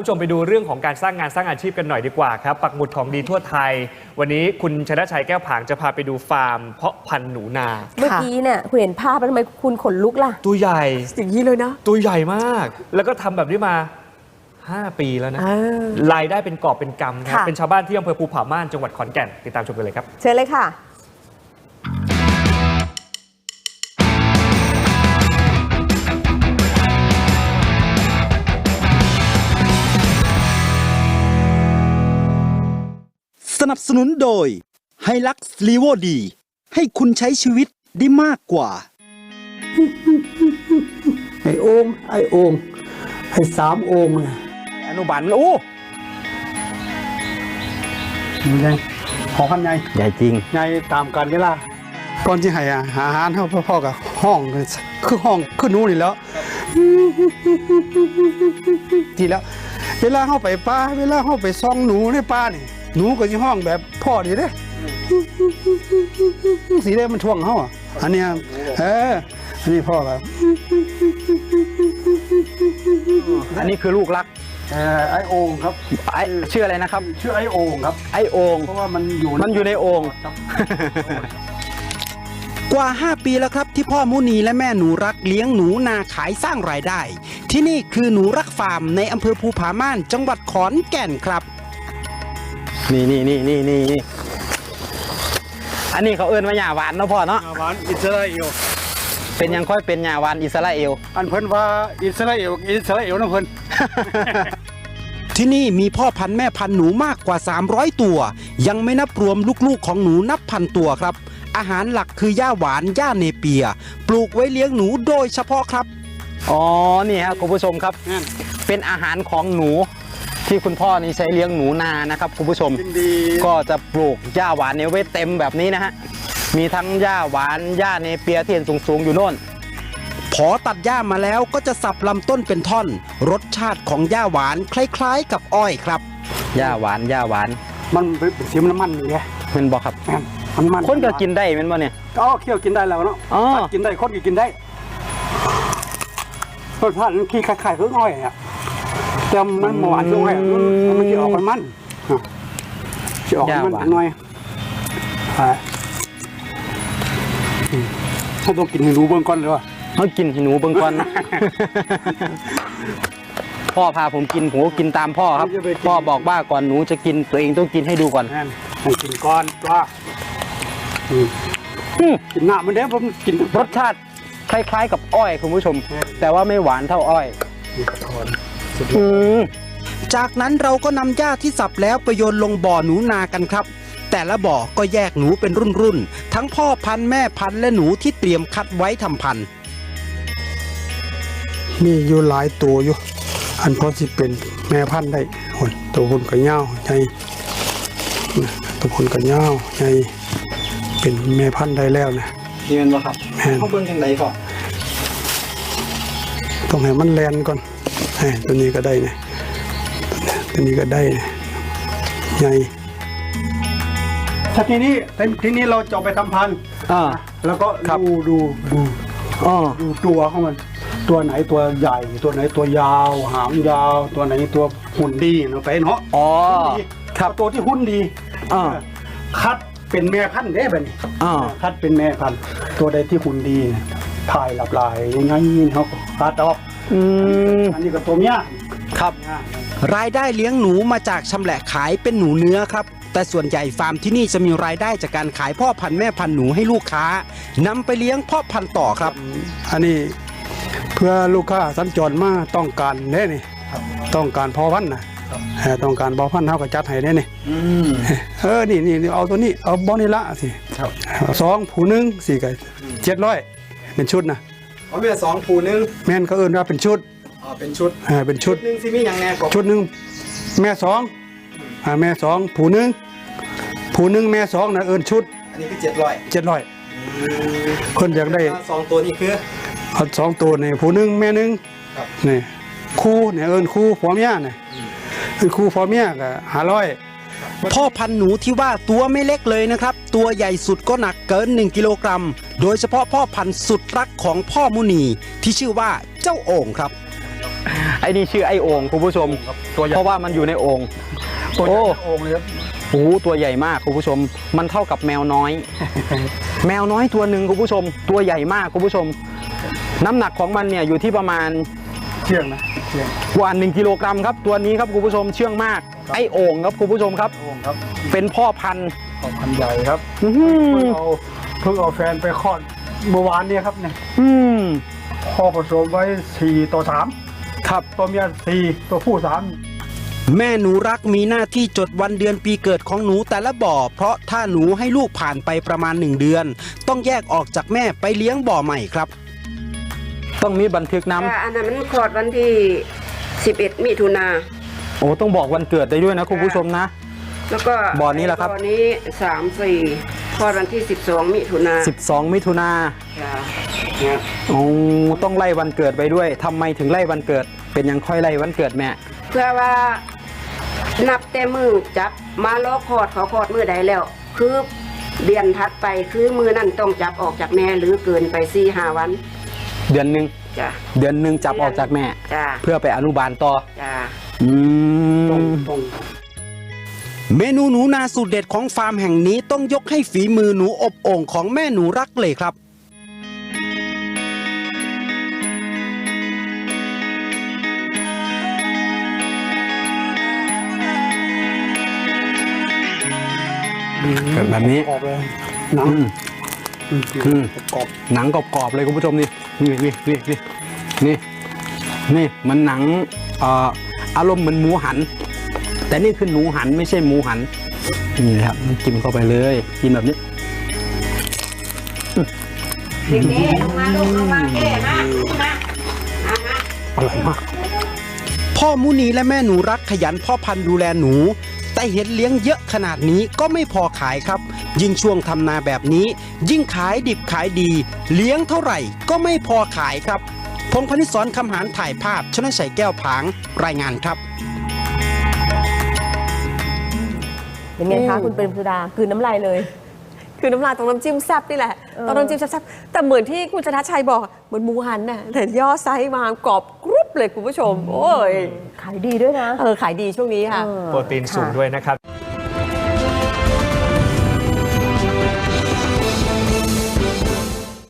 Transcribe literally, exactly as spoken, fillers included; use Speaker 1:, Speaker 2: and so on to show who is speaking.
Speaker 1: ผู้ชมไปดูเรื่องของการสร้างงานสร้างอาชีพกันหน่อยดีกว่าครับปักหมุดของดีทั่วไทยวันนี้คุณชนะชัยแก้วผางจะพาไปดูฟาร์มเพาะพันธุ์หนูนา
Speaker 2: เมื่อกี้เนี่ยคุณเห็นภาพแล้วทำไมคุณขนลุกล่ะ
Speaker 1: ตัวใหญ่
Speaker 2: อย่างนี้เลยนะ
Speaker 1: ตัวใหญ่มากแล้วก็ทำแบบนี้มาห้าปีแล้วนะรายได้เป็นกอบเป็นกำครับเป็นชาวบ้านที่อำเภอภูผาม่านจังหวัดขอนแก่นติดตามชมกันเลยครับ
Speaker 2: เชิญเลยค่ะ
Speaker 3: สนับสนุนโดยไฮลักซ์ลีโวดีให้คุณใช้ชีวิตได้มากกว่า
Speaker 4: ไอ้โอ่งไอ้โอ่งไอ้สามโอ่งเนี่ย
Speaker 3: อนุบาลโอ้
Speaker 4: มันใหญ่ขอพันใหญ่
Speaker 3: ใหญ่จริง
Speaker 4: ใหญ่ตามกันเวลาก่อนที่ให้อาหารเขาพ่อๆกับห้องคือห้องคือหนูนี่แล้วทีแล้วเวลาเข้าไปป่าเวลาเข้าไปซ่องหนูในป่านี่หนูก็จะห้องแบบพ่อดีเด้สีแดงมันท่วงเขาอันนี้เอออันนี้พ่อครับ
Speaker 3: อันนี้คือลูกรัก
Speaker 4: เออไอโอ่งครับ
Speaker 3: ไอชื่ออะไรนะครับ
Speaker 4: ชื่อไอโอ่งครับ
Speaker 3: ไอโอ่ง
Speaker 4: เพราะว่ามันอยู่
Speaker 3: มันอยู่ในโอ่งกว่าห้าปีแล้วครับที่พ่อมุนีและแม่หนูรักเลี้ยงหนูนาขายสร้างรายได้ที่นี่คือหนูรักฟาร์มในอำเภอภูผาม่านจังหวัดขอนแก่นครับนี่นี่นี่นี่นี่อันนี้เขาเอิ้นว่าหญ้าหวานเนาะพ่อเนาะ
Speaker 4: หญ้าหวานอิสราเอล
Speaker 3: เป็นยังค่อยเป็นหญ้าหวานอิสราเอล
Speaker 4: อันเพิ่นว่าอิสราเอลอิสราเอลนะเพิ่น
Speaker 3: ที่นี่มีพ่อพันธุ์แม่พันธุ์หนูมากกว่าสามร้อยตัวยังไม่นับรวมลูกๆของหนูนับพันตัวครับอาหารหลักคือหญ้าหวานหญ้าเนเปียปลูกไว้เลี้ยงหนูโดยเฉพาะครับอ๋อนี่ครับคุณผู้ชมครับเป็นอาหารของหนูที่คุณพ่อนี่ใช้เลี้ยงหนูนานะครับคุณผู้ชมก็จะปลูกหญ้าหวานเนี่ยไว้เต็มแบบนี้นะฮะมีทั้งหญ้าหวานหญ้าเนเปียที่เห็นสูงๆอยู่โน่นพอตัดหญ้ามาแล้วก็จะสับลำต้นเป็นท่อนรสชาติของหญ้าหวานคล้ายๆกับอ้อยครับหญ้าหวานหญ้าหวาน
Speaker 4: มันเป็นสีมันมันอย่างเงี้ย
Speaker 3: มันบอกครับ
Speaker 4: มันมัน
Speaker 3: คนก็กินได้เป็นบ่เนี่ย
Speaker 4: อ๋อเคี่ยวกินได้แล้วเนาะกินได้คนก็กินได้รสชาติขี้ไข่ๆคืออ้อยอ่ะแต่มันหวานด้วยมันจะออกมันมันจะออกมันหน่อยเขาต้องกินให้หนูเบื้องก้อนเลยว่ะ
Speaker 3: เขากินให้หนูเบื้องก้อนพ่อพาผมกินผมก็กินตามพ่อครับพ่อบอกว่าก่อนหนูจะกินตัวเองต้องกินให้ดูก่อน
Speaker 4: ให้กินก้อนว่ากินหน้ามันเด้ผมกิน
Speaker 3: รสชาติคล้ายๆกับอ้อยคุณผู้ชมแต่ว่าไม่หวานเท่าอ้อยจากนั้นเราก็นำหญ้าที่สับแล้วไปโยนลงบ่อหนูนากันครับแต่ละบ่อก็แยกหนูเป็นรุ่นๆทั้งพ่อพันธุ์แม่พันธุ์และหนูที่เตรียมคัดไว้ทำพันธุ์
Speaker 4: มีอยู่หลายตัวอยู่อันพอที่เป็นแม่พันธุ์ได้ตัวคนกระเย้าใหญ่ตัวคนกระเย้าใหญ่เป็นแม่พันธุ์ได้แล้วนะ
Speaker 3: นี่เป็นบ่ครับเขาเบิ่งจังไดก่อน
Speaker 4: ต้องให้มันแลนก่อนตัวนี้ก็ได้เนี่ยตัวนี้ก็ได้ใหญ่ถ้าทีนี้ทีนี้เราจะไปทำพันธุ์แล้วก็ดูดูดูดูตัวของมันตัวไหนตัวใหญ่ตัวไหนตัวยาวหางยาวตัวไหนตัวหุ่นดีเราไปเนาะ
Speaker 3: อ๋อครับ
Speaker 4: ตัวที่หุ่นดีคัดเป็นแม่พันธุ์ได้แบบนี้คัดเป็นแม่พันธุ์ตัวใดที่หุ่นดีถ่ายหลับลายยังไงเขาคัดออกอันนี้ก็ตัวเมีย
Speaker 3: ครับรายได้เลี้ยงหนูมาจากชำแหละขายเป็นหนูเนื้อครับแต่ส่วนใหญ่ฟาร์มที่นี่จะมีรายได้จากการขายพ่อพันธุ์แม่พันธุ์หนูให้ลูกค้านำไปเลี้ยงพ่อพันธุ์ต่อครับ
Speaker 4: อันนี้เพื่อลูกค้าสัญจรมาต้องการแน่นี่ต้องการพ่อพันธุ์นะต้องการพ่อพันธุ์เท่ากับจัดให้แน่นี่เออนี่นี่เอาตัวนี้เอาบอนี่ละสิสองผูนึงสี่ไก่เจ็ดร้อยเป็นชุดนะ
Speaker 3: เอาเมียสองผูนึง
Speaker 4: แม่นเขาเอิ้นว่าเป็นชุด
Speaker 3: อ๋อเป็นชุด
Speaker 4: อ่าเป็นชุด
Speaker 3: หนึ่งสิมีอย่างแน่
Speaker 4: ชุดหนึ่งแม่สองอ่าแม่สองผูนึงผูนึงแม่สองนะเอิ้นชุด
Speaker 3: อันนี้คือเจ็ดร้อย
Speaker 4: เจ็ดร้อยคนอยากได้
Speaker 3: สองตัวนี้คือ
Speaker 4: เอาสองตัวนี่ผูนึงแม่นึงนี่คู่เนี่ยเอิ้นคู่ผัวเมียเนี่ยคือคู่ผัวเมียก็ห้าร้อย
Speaker 3: พ่อพันธุ์หนูที่ว่าตัวไม่เล็กเลยนะครับตัวใหญ่สุดก็หนักเกินหนึ่งกิโลกรัมโดยเฉพาะพ่อพันธุ์สุดรักของพ่อมุนีที่ชื่อว่าเจ้าโอ่งครับไอ้นี่ชื่อไอ้โอ่งคุณผู้ชม
Speaker 4: ตัวใหญ่
Speaker 3: เพราะว่ามันอยู่ในโอ่ง
Speaker 4: ตัวใหญ่
Speaker 3: โอ้
Speaker 4: โอ่งเลยครับ
Speaker 3: โอ้โหตัวใหญ่มากคุณผู้ชม มันเท่ากับแมวน้อย แมวน้อยตัวหนึ่งคุณผู้ชม ตัวใหญ่มากคุณผู้ชม น้ำหนักของมันเนี่ยอยู่ที่ประมาณ
Speaker 4: เชื่องนะเชื่อง
Speaker 3: กว่าหนึ่งกิโลกรัมครับตัวนี้ครับคุณผู้ชมเชื่องมากไอ้โอ่งครับคุณผู้ชมครับ
Speaker 4: โอ่งครับ
Speaker 3: เป็นพ่อพันธุ์
Speaker 4: ของพันธุ์ใหญ่ครับ
Speaker 3: อื้อหื
Speaker 4: เพิ่ง
Speaker 3: อ
Speaker 4: เอาเพิ่งเอาแฟนไปคลอดเมื่อวานเนี่ยครับเนี่ย
Speaker 3: อืม
Speaker 4: พ่อผสมไว้สี่ต่อสาม
Speaker 3: ครับ
Speaker 4: ตัวเมียสี่ตัวผู้สาม
Speaker 3: แม่หนูรักมีหน้าที่จดวันเดือนปีเกิดของหนูแต่ละบ่อ เพราะถ้าหนูให้ลูกผ่านไปประมาณหนึ่งเดือน ต้องแยกออกจากแม่ไปเลี้ยงบ่อใหม่ครับ ต้องมีบันทึกน้
Speaker 5: ค่ะอันนั้นมันคลอดวันที่ สิบเอ็ด มิถุนา
Speaker 3: ำโอ้ต้องบอกวันเกิดได้ด้วยนะคุณผู้ชมนะ
Speaker 5: แล้วก็
Speaker 3: บ่อนี้ล่ะครับ
Speaker 5: บ่อนี้สาม สี่คลอดวันที่ สิบสอง มิถุนา
Speaker 3: สิบสองมิถุนา
Speaker 5: ค่ะเนี่ย
Speaker 3: โอ้ต้องไล่วันเกิดไปด้วยทำไมถึงไล่วันเกิด เป็นยังค่อยไล่วันเกิดแม่
Speaker 5: เพื่อว่านับแต่มือจับมาล้อคลอดเขาคลอดมือใดแล้ว คือเดือนถัดไปคือมือนั่นต้องจับออกจากแม่หรือเกินไปสี่ห้าวัน
Speaker 3: เดือนหนึ่ง
Speaker 5: จ้ะ
Speaker 3: เดือนหนึ่งจับออกจากแม่
Speaker 5: จ้ะ
Speaker 3: เพื่อไปอนุบาลต่อ
Speaker 5: จ้ะ
Speaker 3: อื
Speaker 4: ตรง
Speaker 3: ม
Speaker 4: ตรง
Speaker 3: เมนูหนูนาสูตรเด็ดของฟาร์มแห่งนี้ต้องยกให้ฝีมือหนูอบโอ่งของแม่หนูรักเลยครับ แบบนี้
Speaker 4: กรอบเลยหนัง
Speaker 3: อืม
Speaker 4: อืม
Speaker 3: อืม
Speaker 4: กรอบ
Speaker 3: หนังกรอบๆเลยคุณผู้ชมนี่นี่นี่นี่นี่นี่นี่มันหนังเอ่ออารมณ์เหมือนหมูหัน แต่นี่คือหนูหันไม่ใช่หมูหันนี่นะครับกินเข้าไปเลยกินแบบนี้
Speaker 5: เด็กๆลงมาลูกลงมาแก่มามามามา
Speaker 3: อร่อยมาก พ่อมุนีและแม่หนูรักขยันพ่อพันธุ์ดูแลหนู แต่เห็นเลี้ยงเยอะขนาดนี้ก็ไม่พอขายครับ ยิ่งช่วงทำนาแบบนี้ ยิ่งขายดิบขายดี เลี้ยงเท่าไหร่ก็ไม่พอขายครับพงษ์พนิษฐ์สอนคำหารถ่ายภาพชนะชัยแก้วผางรายงานครับ
Speaker 2: เป็นไงคะคุณเปรมสุดาคืนน้ำลายเลย
Speaker 6: คือน้ำลายตรงน้ำจิ้มแซ่บนี่แหละ
Speaker 2: เออ
Speaker 6: ตรงน้ำจิ้มแซ่บๆแต่เหมือนที่คุณชนะชัยบอกเหมือนหมูหันน่ะแต่ย่อไซส์มากรอบกรุบเลยคุณผู้ชม โอ้ย
Speaker 2: ขายดีด้วยนะ
Speaker 6: เออขายดีช่วงนี้ค่ะ
Speaker 2: เออ
Speaker 1: โปรตีนสูง
Speaker 2: ค่ะ
Speaker 1: ด้วยนะครับ